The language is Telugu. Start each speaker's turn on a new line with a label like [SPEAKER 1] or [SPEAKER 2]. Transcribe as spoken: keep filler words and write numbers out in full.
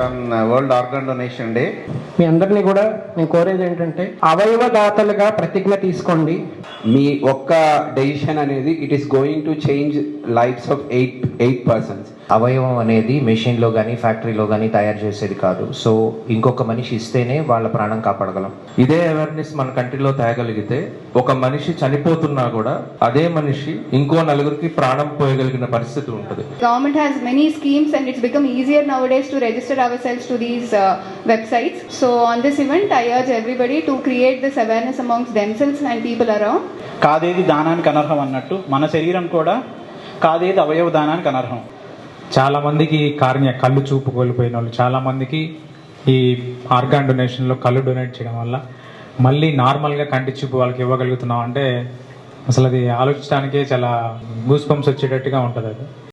[SPEAKER 1] On world organ donation day.
[SPEAKER 2] మీ అందరినీ కూడా నేను కోరేది ఏంటంటే అవయవ దాతలుగా ప్రతిజ్ఞ తీసుకోండి.
[SPEAKER 3] మీ ఒక్క డెసిషన్ అనేది it is going to change lives of eight eight persons.
[SPEAKER 4] అవయవం అనేది మెషిన్లో కానీ ఫ్యాక్టరీలో కానీ తయారు చేసేది కాదు. సో ఇంకొక మనిషి ఇస్తేనే వాళ్ళ ప్రాణం కాపాడగలం.
[SPEAKER 5] ఇదే అవేర్నెస్ మన కంట్రీలో తేగలిగితే ఒక మనిషి చనిపోతున్నా కూడా అదే మనిషి ఇంకో నలుగురికి ప్రాణం పోయగలిగిన పరిస్థితి ఉంటుంది.
[SPEAKER 6] Government has many schemes and it's become easier nowadays to register ourselves to these uh, websites. So on this event, I urge everybody to create this awareness amongst themselves and people around.
[SPEAKER 7] కాదేది దానానికి అనర్హం అన్నట్టు మన శరీరం కూడా కాదేది అవయవ దానానికి అనర్హం.
[SPEAKER 8] చాలామందికి కార్య కళ్ళు చూపు కోల్పోయిన వాళ్ళు చాలామందికి ఈ ఆర్గాన్ డొనేషన్లో కళ్ళు డొనేట్ చేయడం వల్ల మళ్ళీ నార్మల్గా కంటి చూపు వాళ్ళకి ఇవ్వగలుగుతున్నాం అంటే అసలు అది ఆలోచించడానికే చాలా గూస్ బంప్స్ వచ్చేటట్టుగా ఉంటుంది అది.